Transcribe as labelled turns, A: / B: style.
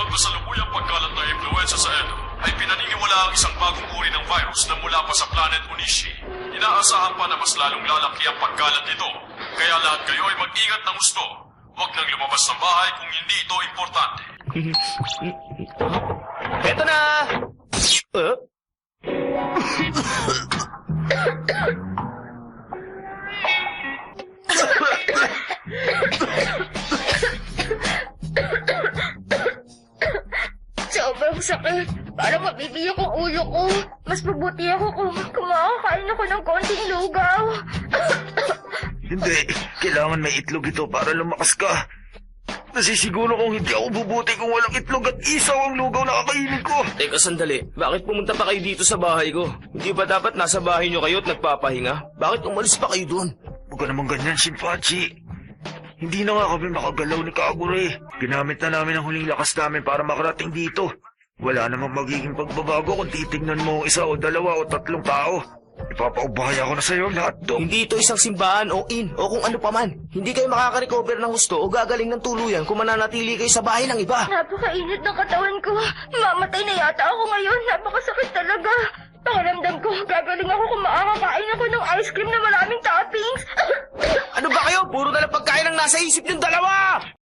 A: kasalukuyang pagkalat ng impluensya sa Edo, ay pinaniniwala ang isang bagong uri ng virus na mula pa sa planet Onishi. Inaasahan pa na mas lalong lalaki ang pagkalat nito, kaya lahat kayo ay mag-ingat ng gusto. Huwag nang lumabas ng bahay kung hindi ito importante.
B: Eto na!
C: Sobrang sakit. Parang mabibiyak ang ulo ko. Mas mabuti ako kung kumakakain ako ng konting lugaw.
D: Hindi, kailangan may itlog ito para lumakas ka. Nasisiguro kong hindi ako bubuti kung walang itlog at isaw ang lugaw na kakainin ko.
B: Teka sandali, bakit pumunta pa kayo dito sa bahay ko? Hindi ba dapat nasa bahay nyo kayo at nagpapahinga? Bakit umalis pa kayo doon?
D: Huwag ka naman ganyan, Shinpachi. Hindi na nga kami makagalaw ni Kagure. Ginamit na namin ang huling lakas namin para makarating dito. Wala namang magiging pagbabago kung titignan mo isa o dalawa o tatlong tao. Ipapaubaya ko na sa'yo lahat to.
B: Hindi ito isang simbahan o inn o kung ano paman. Hindi kayo makaka-recover ng gusto o gagaling ng tuluyan kung mananatili kayo sa bahay ng iba.
C: Napakainit ng katawan ko. Mamatay na yata ako ngayon. Napakasakit talaga. Pakiramdam ko, gagaling ako kung makakakain ako ng ice cream na maraming toppings.
B: Ano ba kayo? Puro na lang pagkain ang nasa isip yung dalawa!